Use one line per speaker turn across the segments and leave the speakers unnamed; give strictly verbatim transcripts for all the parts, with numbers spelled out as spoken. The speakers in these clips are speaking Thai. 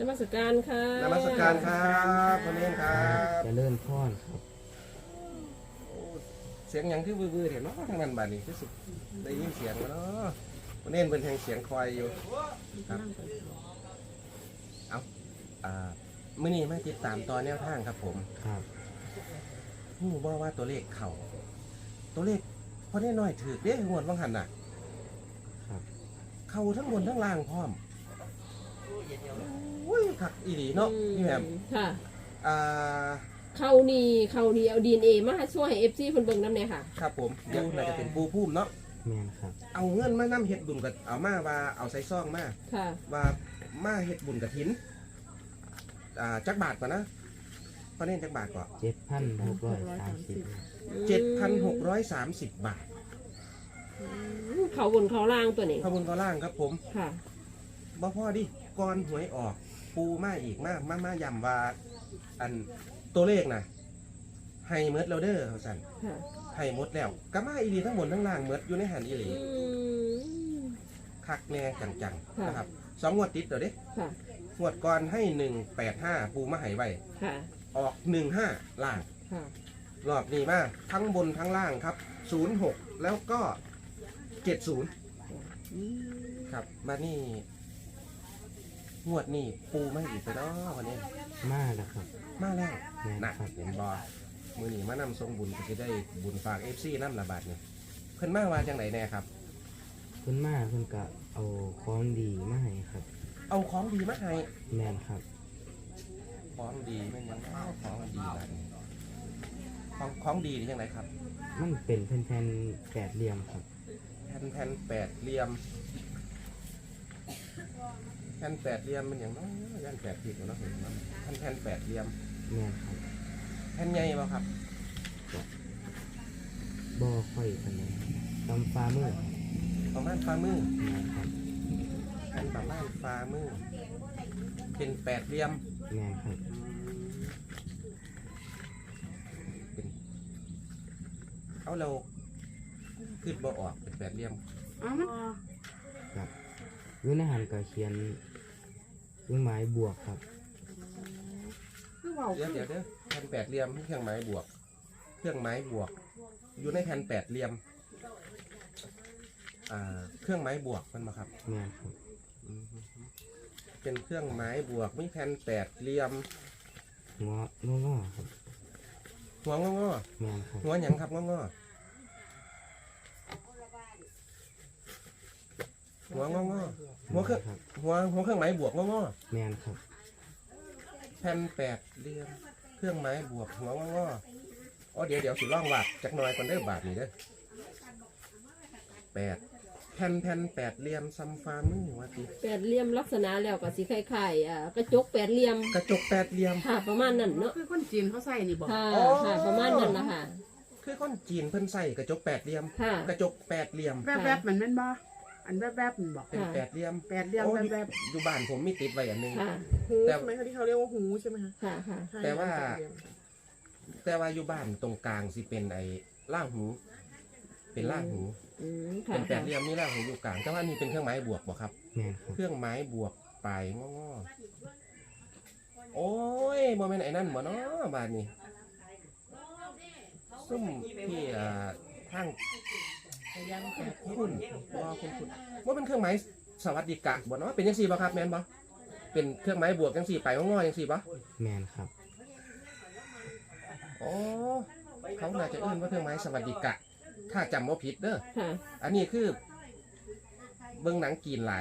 มัสการค่ะ
นมัสการครับพ่อเน้นครับ
จะเริ่มพอนครับ
เสียงยังที่วื้อๆเห็นเนาะทางนั้นบาดนี้ที่สุดได้ยินเสียงแล้วเนาะพ่อเน้นเป็นแห่งเสียงคอยอยู่ครับเอาอ่ามื้อนี้มาติดตามตอนแนวทางครับผม
ครับ
ฮู้บ่ว่าตัวเลขเข้าตัวเลขพ่อเน้นน้อยถือเด้งวดว่างหันน่ะ
ครับ
เข้าทั้งบนทั้งล่างพร้อมอุ้ยคักอีหลีเนาะพี่แหม่ม
ค่ะ
อ่า
เขานี่เขานี่เอาดีเอ็นเอมาช่วยให้เอฟซีเพิ่นเบิ่งนำเนี่ยค่ะ
ครับผมเดี๋ยวน่าจะเป็นปูพุ่มเนาะ
แม่นครับ
เอาเงินมานำเฮ็ดบุญกับเอามาว่าเอาใส่ซองมา
ค่ะ
ว่ามาเฮ็ดบุญกฐินอ่าจักบาทก่อนนะพอเน้นจักบาทก่อน
เจ็ดพันหกร้อยสามสิบ
เจ็ดพันหกร้อยสามสิบบาท
เขาบนเขาล่างตัวนี้
ขบวนก็ล่างครับผม
ค่ะ
บ่พอดิก่อนหวยออกปูมาอีกมามามาย้ำว่าอันตัวเลขน่ะให้เมดแล้วเด้อเขาสั่นให้หมดแล้วก็มาอีหลีทั้งบนทั้งล่างเมดอยู่ในหันอีหลีคักแน่จังๆนะครับสองงวดติดเดี๋ยวดิงวดก่อนให้หนึ่งแปดห้าปูมาให้ไว้ออกหนึ่งห้าล่างรอบนี้มาทั้งบนทั้งล่างครับศูนย์หกแล้วก็เจ็ดศูนย์ครับมานี่งวดนี่ปูไม่อีกไปเนาะวันนี้
มาแล้วครับ
มาแล้วนะเห็นบอมือหนีมานำทรงบุญก็จะได้บุญฝากเอฟซีน้ำระบาดเนี่ยเพิ่นมาว่าจังไหนแน่ครับ
เพิ่นมาเพิ่นก็เอาของดีมาให้ครับ
เอาของดีมาให้
แม่นครับ
ของดีไม่ยังของดีแบบนี้ของของดีนี่จังไหนครับ
มันเป็นแผ่นๆแปดเหลี่ยมครับ
แผ่นแผ่นแปดเหลี่ยมแผ่นแปดเหลี่ยมมันอย่างน้อยย่านแปดผิดเนาะเห็นไหมแผ่นแผ่นแปดเหลี่ยม
แม่นครับ
แผ่นใหญ่ป่ะครับ
บ่ค่อยกันเลยตำฟ้ามือ
ประมาณฟ้ามือ
แม่นครับ
แผ่นประมาณฟ้ามือเป็นแปดเหลี่ยม
แม่นครับ
เป็นเอาเราขึ้นบ่ออกเป็นแปดเหลี่ยม
ครับอยู่ในหันก็เขียนเครื่องหมายบวกครับ
เดี๋ยวเดี๋ยวเดี๋ยวแผ่นแปดเหลี่ยมเครื่องหมายบวกเครื่องหมายบวกอยู่ในแผ่นแปดเหลี่ยมอ่าเครื่องหมายบวกมันมาครับ
แม่ครับ
เป็นเครื่องหมายบวกมีแผ่นแปดเหลี่ยม
หัวงอๆครับ
หัวงอ
แม่ครับ
หัวหยังครับงอๆหัวงองอหัวเครื่องหัวหัวเครื่องหมายบวกงองอ
แม่นครับ
แผ่นแปดเหลี่ยมเครื่องหมายบวกหัวงองออ๋อเดี๋ยวเดี๋ยวสิล่องวาดจักหน่อยก่อนเด้อบาทนี่เด้อแปดแผ่นแผ่นแปดเหลี่ยมซัมฟามือว่าติ
แปดเหลี่ยมลักษณะแล้วก็สีไข่ไข่อ่ากระจกแปดเหลี่ยม
กระจกแปดเหลี่ยม
ค่ะประมาณนั้นเนาะ
คือคนจีนเขาใส่นี่บอก
ค่ะค่ะประมาณนั้นละค่ะ
คือคนจีนเพิ่นใส่กระจกแปดเหลี่ยมกระจกแปดเหลี่ยม
แวบๆมันแม่นบ่อันแวบๆมันบอก
เป็นแปดเหลี่ยม
แปดเหลี่ยมแวบ
ๆอยู่บ้านผมมีติดไว้อันนึง
หูใช่ไหมคะที่เขาเรียกว่าหูใช่ไหมคะ
ค่ะค่ะ
แต่ว่าแต่ว่าอยู่บ้านตรงกลางสิเป็นไอ้ล่างหูเป็นล่างหูเป็นแปดเหลี่ยมนี่ล่างหูอยู่กลางแต่ว่านี่เป็นเครื่องหมายบวกบ่ครับเครื่องหมายบวกปลายงอโอ้ยโมเมนต์ไอ้นั่นบ่เนาะบ้านนี้ซุ่มที่อ่าทางคุณว่าคุณคุณว่าเป็นเครื่องหมายสวัสดิกะบ่เนาะเป็นยังสี่บ่ครับแมนบ่เป็นเครื่องหมายบวกยังสี่ไปงอยังสี่บ่
แมนครับ
อ๋อเขาน่าจะเอื้นว่าเครื่องหมายสวัสดิกะถ้าจำว่าผิดเด้ออันนี้คือเบิ้งหนังกีนหลาย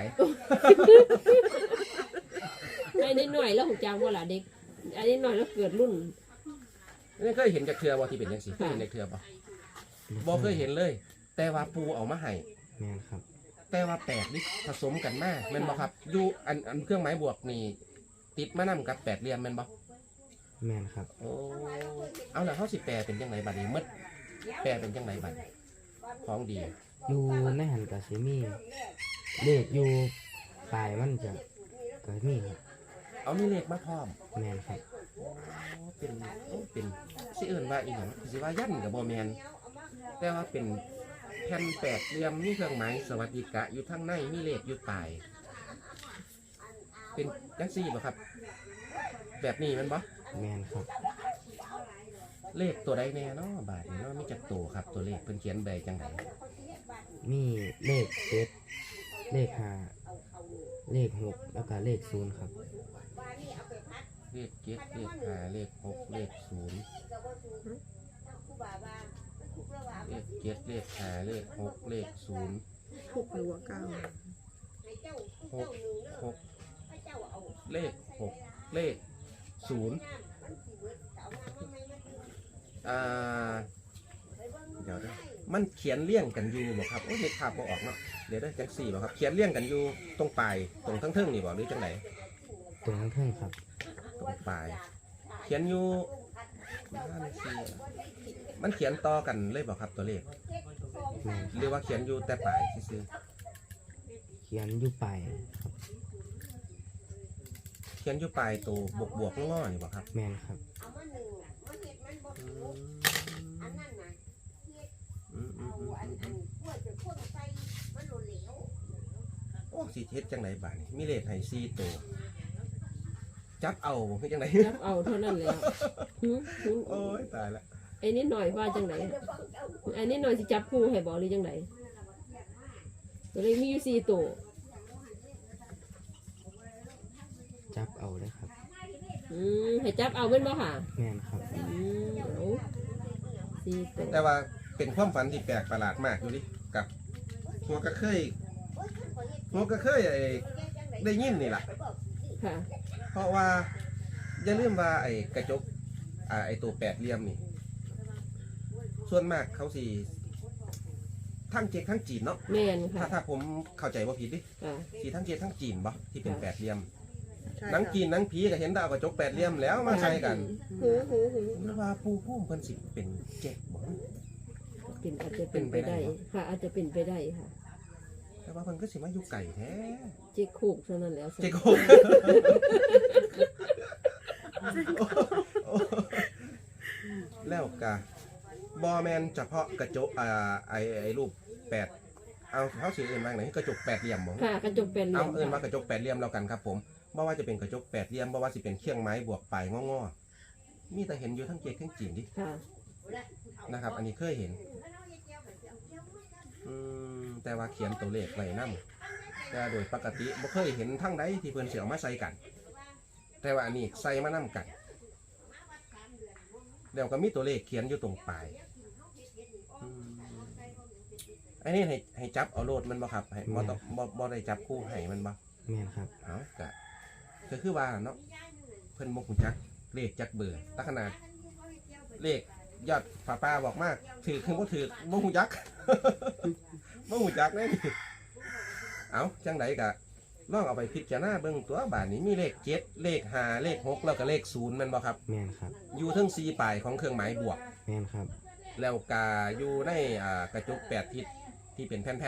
ไอ้นิดหน่อยแล้วหูจางว่าล่ะเด็กไอ้นิดหน่อยแล้วเกิดรุ่น
นี่เคยเห็นจากเทือบ่ที่เป็นยังสี่เคยเห็นจากเทือบ่บ่เคยเห็นเลยแต่ว่าปูเอามาให้
แม่นครับ
แต่ว่าแปดนี่ผสมกันมากแม่นบ่ครับอยู่อันอันเครื่องหมายบวกนี่ติดมานำกับแปดเหลี่ยมแม่นบ่
แม่นครับ
โอ้เอาล่ะเฮาสิแปลเป็นจังไดบัดนี้มดแปลเป็นจังไดบัดของดี
อยู่ในหันก็สิมีเลขอยู่ปลายมันจะก็มีครับ
เอามีเลขมาพร้อม
แม่นครับ
โอ้เป็นเป็นสิเอิ้นว่าอีหยังสิว่ายันก็บ่แม่นแต่ว่าเป็นแผ่นแปดเหลี่ยมมีเครื่องหมายสวัสดิกะอยู่ข้างในมีเลขอยู่ปลายเป็นจังซี่บ่ครับแบบนี้แมันบ่
แม่นครับ
เลขตัวใดแน่เนาะบาทนี้เนาะมีจักตัวครับตัวเลขเพิ่นเขียนใบจังได
มีเลขเจ็ดเลขห้าเลขหกแล้วก็เลขศูนย์ครับ
เลขเจ็ดเลขห้าเลขหกเลขศูนย์เลขเจ็ดเลขห้าเลขหกเลขศูนย์
หกหรือว่าเก้า
หกหกเลขหกเลขศูนย์อ่าเดี๋ยวเด้อมันเขียนเลี่ยงกันอยู่บ่ครับโอ้ยนึกภาพบ่ออกเนาะเดี๋ยวเด้อจังสี่บ่ครับเขียนเลี่ยงกันอยู่ตรงปลายตรงทั้งเทิงนี่บ่หรือจังไหน
ตรงข้างเทิงครับ
ตรงปลายเขียนอยู่ห้าสี่มันเขียนต่อกันเลยบ่ครับตัวเลข
แม่น
หรือว่าเขียนอยู่แต่ปลายซื่อ
เขียนอยู่ปลายครับ
ๆเขียนอยู่ปลายตัวบวกบวกๆงอๆนี่บ่ครับ
แม่นครับ
อืมอืมอืมอืมอืมโอ้สิเฮ็ดจังไหนบาดนี้มีเลขให้สี่ตัวจับเอาบ่คือจังได
จับเอาเท่านั้นแล้วหืมหืม
โอ้ยตายละ
ไอ้นิดหน่อยว่าจังไหนไอ้นิดหน่อยสิจับคู่ให้บ่หรือจังไหนตัวเลขมีอยู่สี่ตัว
จับเอาเลยครับ
อืมให้จับเอาเป็นบ่ค่ะ
แม่นครับ
อืมเอาสี่ตัว
แต่ว่าเป็นความฝันที่แปลกประหลาดมากอยู่ดิกับหัวกระเคยหัวกระเคยไอ้ได้ยินนี่ล่ะ
ค่ะ
เพราะว่าอย่าลืมว่าไอ้กระจกอ่าไอ้ตัวแปดเหลี่ยมนี่ ส่วนมากเขาสิทั้งเจ๊กทั้งจีนเนาะ
แม่น
ถ้า
ค่ะ
ถ้าผมเข้าใจว่าผิดดิ
ค่ะ
สีทั้งเจ๊กทั้งจีนบ่ที่เป็นแปดเหลี่ยม
ใช่
หนัง
ค่ะ
จีนหนังผีก็เห็นดาวกระจกแปดเหลี่ยมแล้วมาใส่กัน
หูหูหู
หรือว่าปูพุ่มเพิ่นสิเป็นเจ๊กบ่
เป็นอาจจะเป็นไปได้ ค่ะ อาจจะเป็นไปได้ค่ะ
แต่ว่าเพิ่นก็สิมาอยู่ไก่แท้
เจ๊คูกเท่านั้นแล้ว
เจ๊กโคกแล้วกะบอแมนเฉพาะกระจกอ่าไอไอรูปแปดเอาเขาสีอื่นมาไหนกระจกแปดเหลี่ยมบ่
ค่ะ กระจกเป็นเหลี่
เอา
ยม
เอื่นมา
ค่ะ
กระจกแปดเหลี่ยมแล้วกันครับผมบ่ว่าจะเป็นกระจกแปดเหลี่ยมบ่ว่าสิเป็นเครื่องไม้บวกปลายงอๆมีแต่เห็นอยู่ทั้งเกศทั้งจีนดิ
ค่ะ
นะครับ อันนี้เคยเห็นอืมแต่ว่าเขียนตัวเลขไว้นำแต่โดยปกติบ่เคยเห็นทั้งใดที่เพิ่นสิเอามาใส่กัน แต่ว่าอันนี้ใส่มานำกันแล้วก็มีตัวเลขเขียนอยู่ตรงปลายอืมอันนี้ให้ให้จับเอาโลดมันบ่ครับให้บ่ต้องบ่บ่ได้จับคู่ให้มันบ่
แม่นครับ
เอากะก็คือว่าเนาะเพิ่นบ่ฮู้จักเลขจักเบอร์แตขนาดเลขยอดป้าป้าบอกมากถือคือบ่ถือบ่ฮู้จัก บ่ฮู้จักแน่นี่เอาจังไดกะลองเอาไปพิจารณาเบิ่งตัวบาดนี้มีเลขเจ็ดเลขห้าเลขหกแล้วก็เลขศูนย์แม่นบ่ครับ
แม่นครับ
อยู่เทั้งสี่ปลายของเครื่องหมายบวก
แม่นครับ
แล้วกาอยู่ในอ่ากระจกแปดทิศที่เป็นแผ่น
ครับ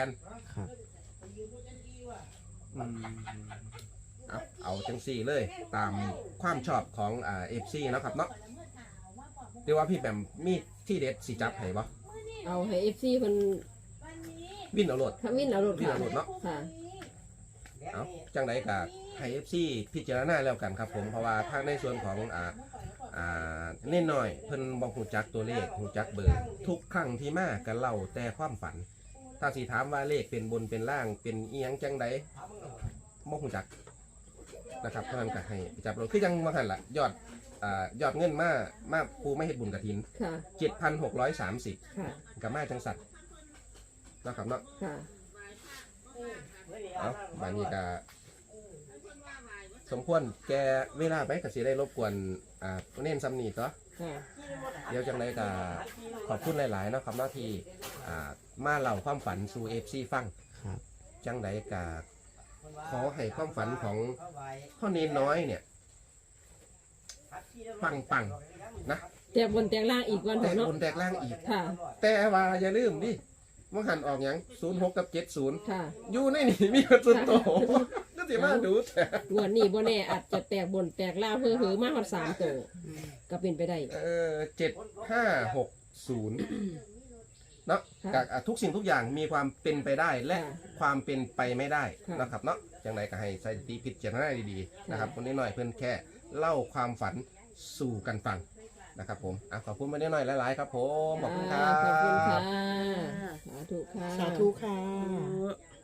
ๆอืมเอาเอาจังสี่เลย ตามความชอบของอ่าเอฟซีนาะครับเนาะเรียกว่าพี่แบมมีที่เด็ดสีจับให้บ่
เอาให้เอฟซีเพิ่น
วินเอาโหลด
ทำวินเอารถ
วิน
ค่ะ
เอาโหลดเนาะ
ค่ะ
เอาจังไดกะให้เอฟซีพิจารณาแล้วกันครับผมเพราะว่าทางในส่วนของอ่าอ่าเน่นหน่อยเพิ่นบ่ฮู้จักตัวเลขฮู้จักเบอร์ทุกครั้งที่มาก็เล่าแต่ความฝัน ถ้าสิถามว่าเลขเป็นบนเป็นล่างเป็นอีหยังจังใดบ่ฮู้จักนะครับเพราะนั้นก็ให้จับรถคือยังว่าหั่นล่ะยอดอ่ายอดเงินมามาปูไม่เฮ็ดบุญกฐิน
ค่ะ
เจ็ดพันหกร้อยสามสิบ
ค่ะ
กับมาจังสัตว์นะครับเนาะ
ค่ะ
เอาบานนี้ก็สมควรแกเวลาไปก็สิได้รบกวนอ่าเน้นซ้ำนี่ต่อ
ค่ะ
เดี๋ยวจังไดก็ขอบคุณหลายๆเนาะครับเนาะที่อ่ามาเล่าความฝันสู่ เอฟ ซี ฟัง
ครับ
จังไดก็ขอให้ความฝันของพ่อเนนน้อยเนี่ยปังปังๆนะ
แต่บนแต่งล่างอีกวัน
แต
เถอะ
ก
เนาะ
บนแตกล่างอีก
ค่ะ
แต่ว่าอย่าลืมดิว่าหันออกหยังศูนย์หกกับเจ็ดศูนย์
ค่ะ
อยู่ในนี่มีกระสุนโตก็สิมาดูแต่
งวดนี้บ่แน่อาจจะแตกบนแตกล่างเพื่อหือมาฮอดสามตัวก็เป็นไปได้
เออเจ็ดห้าหกศูนย์เนาะ
ค่ะ
กับอ่ะทุกสิ่งทุกอย่างมีความเป็นไปได้และ
ค่ะ
ความเป็นไปไม่ได้
ค่ะ
นะครับเนาะจังไรก็ให้ใส่ตีพิจารณาดีๆนะครับคนนี้หน่อยเพื่อนแค่เล่าความฝันสู่กันฟังนะครับผมอ่ะขอบคุณมาได้หน่อยหลายๆครับผมขอบคุณครั
ขอบคุณค่ะ
บ
สาธุค่ะ
สาธุค่ะ